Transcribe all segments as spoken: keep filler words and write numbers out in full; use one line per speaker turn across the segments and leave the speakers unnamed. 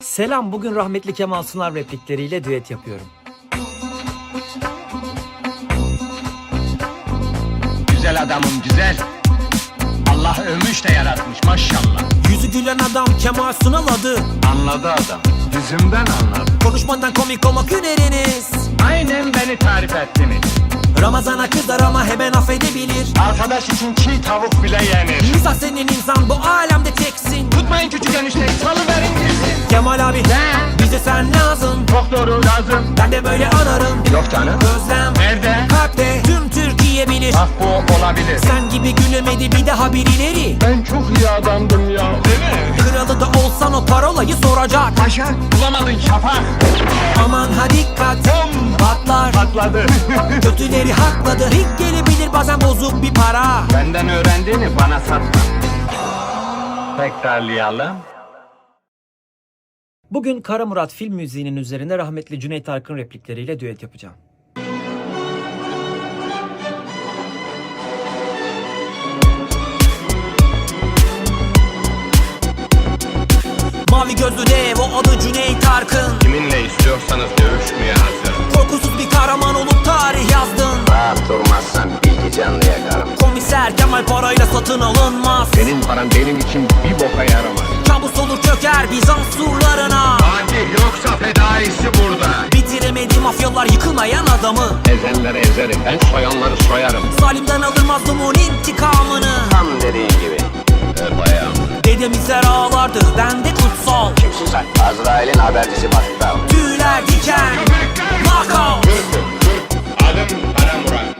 Selam, bugün rahmetli Kemal Sunal replikleriyle düet yapıyorum.
Güzel adamım güzel. Allah övmüş de yaratmış maşallah.
Yüzü gülen adam Kemal Sunal adı.
Anladı adam. Yüzümden anladı.
Konuşmadan komik olmak hüneriniz.
Aynen beni tarif ettiniz.
Ramazana kızar ama hemen affedebilir.
Arkadaş için çiğ tavuk bile yenir.
İnsan senin insan bu alemde teksin.
Tutmayın küçük enişte, salıverin girsin.
Kemal abi
Ne?
bize sen lazım.
Çok doğru lazım.
Ben de böyle anarım.
Yok canım.
Özlem
Nerede?
kalpte tüm Türkiye bilir.
Bak bu olabilir.
Sen gibi gülemedi bir daha birileri.
Ben çok iyi adamdım ya. Değil mi?
Kralı da olsan o parolayı soracak.
Paşa bulamadın şafak.
Aman ha dikkat
Bom!
patlar.
Patladı.
Kötüleri hakladı. Rik gelebilir bazen bozuk bir para.
Benden öğrendiğini bana satma. Tekrarlayalım.
Bugün Kara Murat film müziğinin üzerine rahmetli Cüneyt Arkın replikleriyle düet yapacağım. Mavi gözlü dev o adı Cüneyt Arkın.
Kiminle istiyorsanız dövüşmeye hazırım.
Korkusuz bir kahraman olup tarih yazdın.
Rahat durmazsan bilgi canlı yakarım.
Komiser Kemal parayla satın alınmaz.
Senin paran benim için bir boka yaramaz.
Kabus olur çöker Bizans surlarına.
Fatih yoksa fedaisi burada.
Bitiremedi mafyalar yıkılmayan adamı.
Ezenleri ezerim, ben soyanları soyarım.
Zalimden alır mazlumun intikamını.
Tam dediğin gibi. Öp ayağım.
Dedemizler ağlardı bende kutsal.
Kimsin sen? Azrail'in habercisi baktı.
Tüyler diken knockout.
Adım Kara Murat.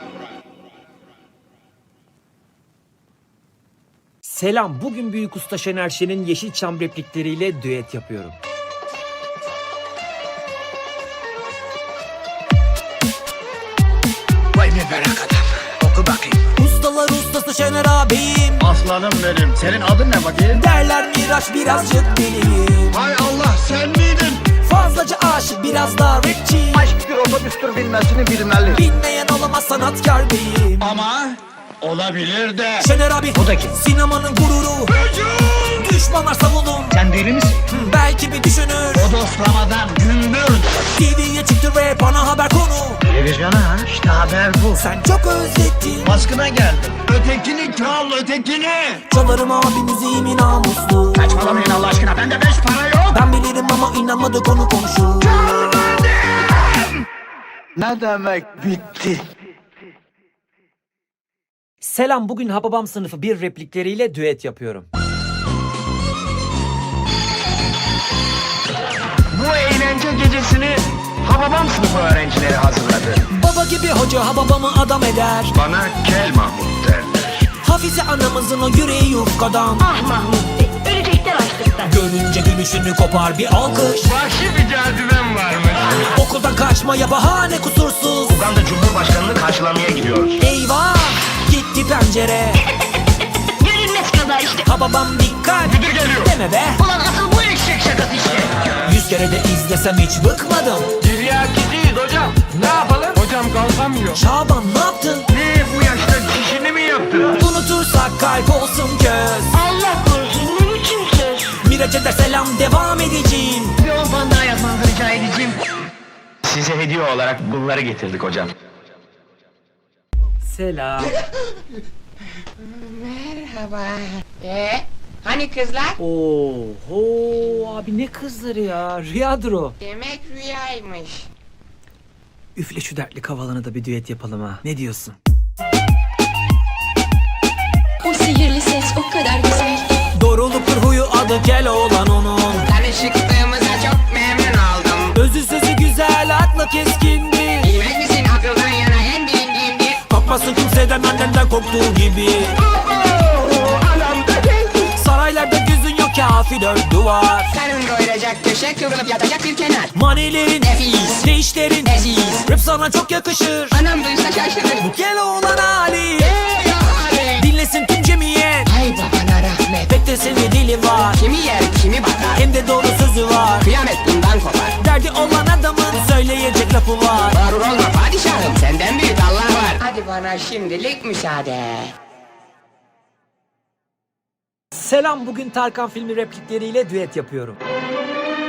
Selam, bugün Büyük Usta Şener Şen'in Yeşilçam replikleriyle düet yapıyorum.
Vay ne merak adam. Oku bakayım.
Ustalar ustası Şener ağabeyim.
Aslanım benim. Senin adın ne bakayım?
Derler Miraç birazcık deliyim.
Hay Allah sen miydin?
Fazlaca aşık biraz daha rapçi.
Aşk bir otobüstür bilmesini bilmeli.
Bilmeyen olamaz sanatkar beyim.
Ama olabilir de.
Şener abi
O da kim?
sinemanın gururu.
Hücum!
Düşmanlar savunun.
Sen deli misin?
Hı, Belki bir düşünür.
O dostlamadan gündür.
T V'ye çıktı ve bana haber konu.
Televizyona ha? İşte haber bu.
Sen çok özlettin.
Baskına geldim. Ötekini çal ötekini.
Çalarım abi müziğimin namuslu.
Saçmalamayın Allah aşkına bende beş para yok.
Ben bilirim ama inanmadı konu komşu.
Ne demek bitti?
Selam, bugün Hababam sınıfı bir replikleriyle düet yapıyorum.
Bu eğlence gecesini Hababam sınıfı öğrencileri hazırladı.
Baba gibi hoca Hababam'ı adam eder.
Bana Kel Mahmut derler.
Hafize anamızın o yüreği yufkadan.
Ah Mahmut Bey, ölecekler açlıktan.
Görünce gülüşünü kopar bir alkış.
Vahşi bir cazibem varmış.
Okuldan kaçmaya bahane kusursuz.
Uganda Cumhurbaşkanı'nı karşılamaya gidiyoruz.
Eyvah, gitti pencere.
Görünmez kadar işte.
Hababam dikkat,
Müdür geliyor.
deme be.
Ulan asıl bu eşek şakası işte.
Yüz kere de izlesem hiç bıkmadım.
Tiryakiciyiz hocam. Ne yapalım? Hocam kalkamıyor.
Şaban ne yaptın?
Ne bu yaşta dişini mi yaptın?
Unutursak kalp olsun göz.
Allah korusun ne biçim söz.
Miraç'a da selam devam edeceğim.
Bir on puan daha yapmanızı rica edeceğim.
Size hediye olarak bunları getirdik hocam.
Selam.
Merhaba. Ee, hani kızlar?
Oho abi ne kızları ya. Rüyadır o.
Demek rüyaymış.
Üfle şu dertli kavalını da bir düet yapalım ha. Ne diyorsun?
O sihirli ses o kadar güzel.
Doğruluktur huyu adı Keloğlan onun.
Tanışıklığımıza çok memnun oldum.
Özü sözü güzel aklı keskindir.
Bilmez misin akıldan yana en bilindiğimdir.
Korkmasın kimseden annenden korktuğu gibi. Saraylarda gözün yok kafi dört duvar.
Karın doyuracak köşe kıvrılıp yatacak bir kenar.
Manilerin,
Nefis.
değişlerin,
Leziz.
rap sana çok yakışır.
Anam duysa şaşırır.
Bu Keloğlan hali.
Ey ya Ali.
Dinlesin tüm cemiyet.
Ay babana rahmet.
Pek de senin dili var.
Kimi yer kimi bakar.
Hem de doğru sözü var.
Kıyamet bundan kopar.
Derdi olan adamın söyleyecek lafı var.
Mağrur olma padişahım senden büyük Allah var. Hadi bana şimdilik müsaade.
Selam, bugün Tarkan filmi replikleriyle düet yapıyorum.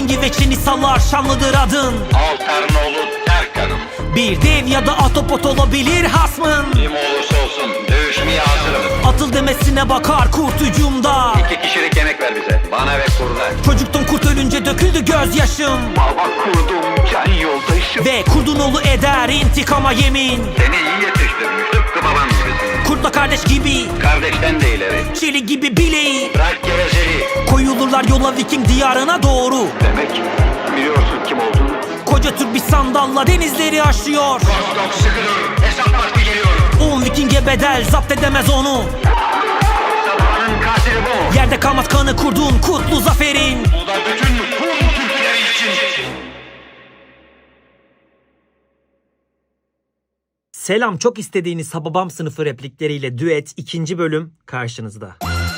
Hangi veçeni salar şanlıdır adın?
Alternoğlu Terkan'ım.
Bir dev ya da atopot olabilir hasmın.
Kim olursa olsun dövüşmeye hazırım.
Atıl demesine bakar kurt hücumda.
İki kişilik yemek ver bize. Bana ve kurda.
Çocuktum kurt ölünce döküldü gözyaşım.
Baba kurdum can yoldaşım.
Ve kurdun oğlu eder intikama yemin.
Seni iyi yetiştirmiş tıpkı babam gibisin.
Kurtla kardeş gibi,
Kardeşten de ileri.
çelik gibi bileği.
Bırak gevezeliği.
Koyulurlar yola Viking diyarına doğru.
Demek biliyorsun kim olduğunu.
Koca Türk bir sandalla denizleri aşıyor.
Kostok sıkı dur. Hesap vakti geliyor.
On Viking'e bedel zapt edemez onu.
Sabahın katili bu.
Yerde kalmaz kanı kurdun kutlu zaferin.
Bu da bütün Hun Türkleri için.
Selam, çok istediğiniz Hababam sınıfı replikleriyle düet ikinci bölüm karşınızda.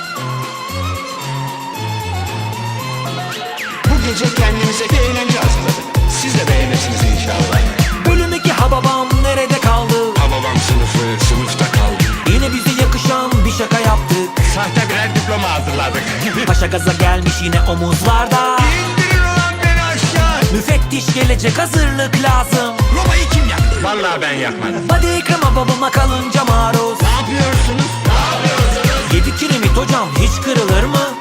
Bu gece kendimize bir eğlence hazırladık. Siz de beğenirsiniz inşallah.
Bölüm iki Hababam nerede kaldı?
Hababam sınıfı sınıfta kaldı.
Yine bize yakışan bir şaka yaptık.
Sahte birer diploma hazırladık.
Paşa gaza gelmiş yine omuzlarda.
İndirin ulan beni aşağı.
Müfettiş gelecek, hazırlık lazım.
Roma'yı kim yaktı? Vallahi ben yakmadım.
Hadi ekrema babama kalınca maruz.
Ne yapıyorsunuz? Ne yapıyorsunuz?
Yedi kiremit hocam hiç kırılır mı?